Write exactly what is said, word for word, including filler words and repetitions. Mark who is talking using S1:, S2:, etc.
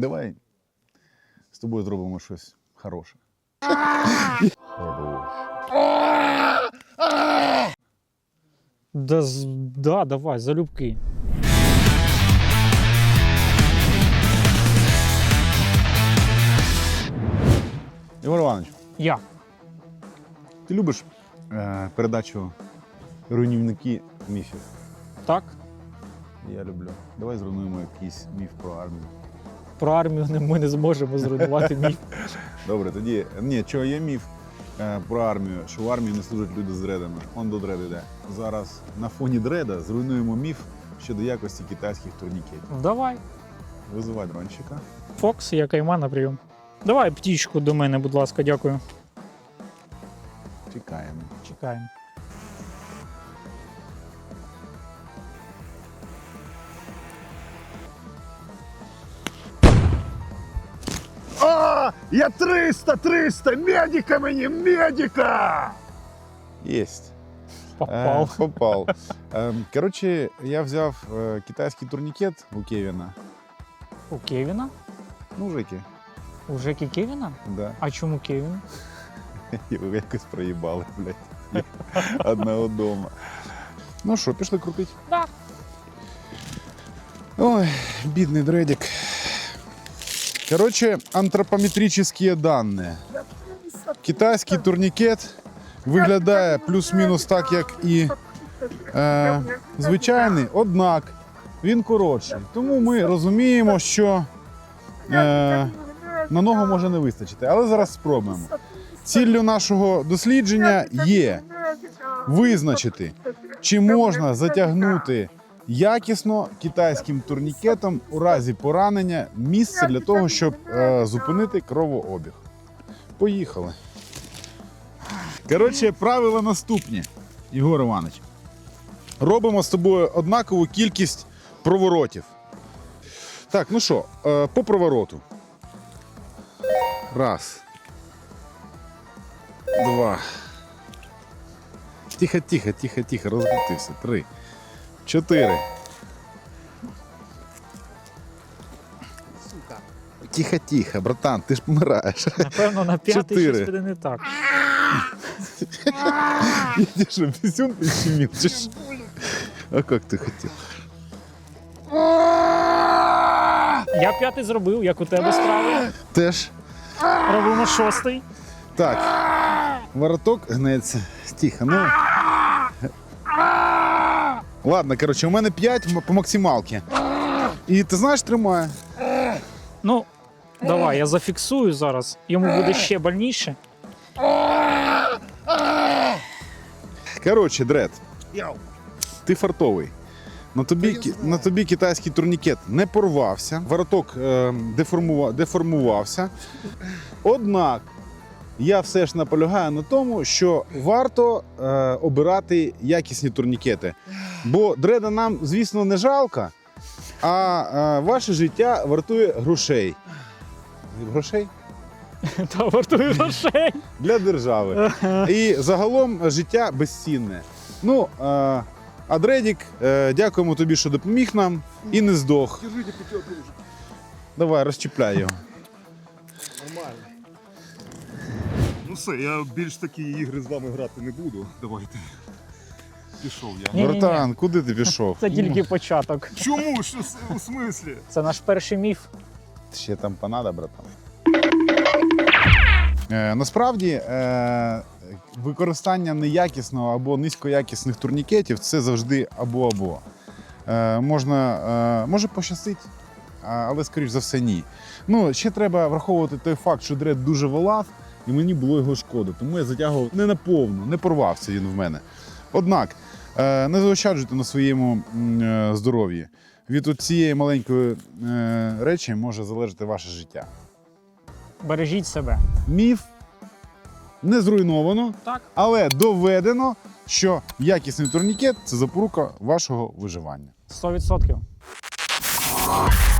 S1: Давай з тобою зробимо щось хороше.
S2: Да, з- да, давай, залюбки.
S1: Ігор Іванович,
S2: Я.
S1: ти любиш е, передачу «Руйнівники міфів»?
S2: Так?
S1: Я люблю. Давай зруйнуємо якийсь міф про армію.
S2: Про армію не- ми не зможемо зруйнувати міф.
S1: Добре, тоді, ні, чого є міф е, про армію, що в армії не служать люди з дредами. Он до дреду йде. Зараз на фоні дреда зруйнуємо міф щодо якості китайських турнікетів.
S2: Давай.
S1: Визивай дронщика.
S2: Фокс, я кайма на прийом. Давай птічку до мене, будь ласка, дякую.
S1: Чекаємо.
S2: Чекаємо.
S3: А, я триста, триста, медика мені, медика!
S1: Єсть.
S2: Попав.
S1: Е, попав. Е, коротше, я взяв е, китайський турнікет у Кевіна.
S2: У Кевіна?
S1: Ну, Жеки.
S2: У Жекі Кевіна?
S1: Да.
S2: А чому Кевін?
S1: Його якось проїбали, блядь. Одного дома. Ну що, пішли крутить?
S2: Да.
S1: Ой, бідний дредик. Короче, антропометрические данные. Китайський турнікет виглядає плюс-мінус так, як і е, звичайний, однак він коротший. Тому ми розуміємо, що е, на ногу може не вистачити. Але зараз спробуємо. Ціллю нашого дослідження є визначити, чи можна затягнути якісно китайським турнікетом у разі поранення місце для того, щоб е, зупинити кровообіг. Поїхали. Коротше, правила наступні, Ігор Іванович. Робимо з тобою однакову кількість проворотів. Так, ну що, е, по провороту. Раз. Два. Тихо, тихо, тихо, тихо, розкрутився. Три. Чотири. Тихо, тихо, братан, ти ж помираєш.
S2: Напевно, на п'ятий
S1: Чотири.
S2: щось буде не так.
S1: Ти що, пісюн підщемив, чи що? А як ти хотів?
S2: Я п'ятий зробив, як у тебе справи.
S1: Теж.
S2: Робимо шостий.
S1: Так. Вороток гнеться. Тихо, ну. Ладно, коротше, у мене п'ять по максималці. І ти знаєш, тримає.
S2: Ну, давай, я зафіксую зараз. Йому буде ще больніше.
S1: Коротше, Дред, ти фартовий. На тобі, ки- на тобі китайський турнікет не порвався, вороток е, деформува, деформувався. Однак я все ж наполягаю на тому, що варто е, обирати якісні турнікети. Бо дреда нам, звісно, не жалко, а е, ваше життя вартує грошей. Грошей?
S2: Та вартує грошей.
S1: Для держави. І загалом життя безцінне. Ну, е, а Дредік, е, дякуємо тобі, що допоміг нам і не здох.
S3: Держите п'ятьох дружок.
S1: Давай, розчіпляй його.
S3: Нормально. Ну все, я більш такі ігри з вами грати не буду. Давайте. Пішов я.
S2: Ні-ні-ні.
S1: Братан, куди ти пішов?
S2: Це тільки початок.
S3: Чому? Що с- у смислі?
S2: Це наш перший міф.
S1: Ще там панада, братан. Е, насправді, е, використання неякісного або низькоякісних турнікетів – це завжди або-або. Е, можна, е, може пощастить, а- але, скоріш за все, ні. Ну, ще треба враховувати той факт, що дред дуже волав, і мені було його шкода. Тому я затягував не наповну, не порвався він в мене. Однак, е, не заощаджуйте на своєму м, е, здоров'ї. Від цієї маленької е, речі може залежати ваше життя.
S2: Бережіть себе.
S1: Міф не зруйновано,
S2: Так.
S1: але доведено, що якісний турнікет – це запорука вашого виживання.
S2: сто відсотків.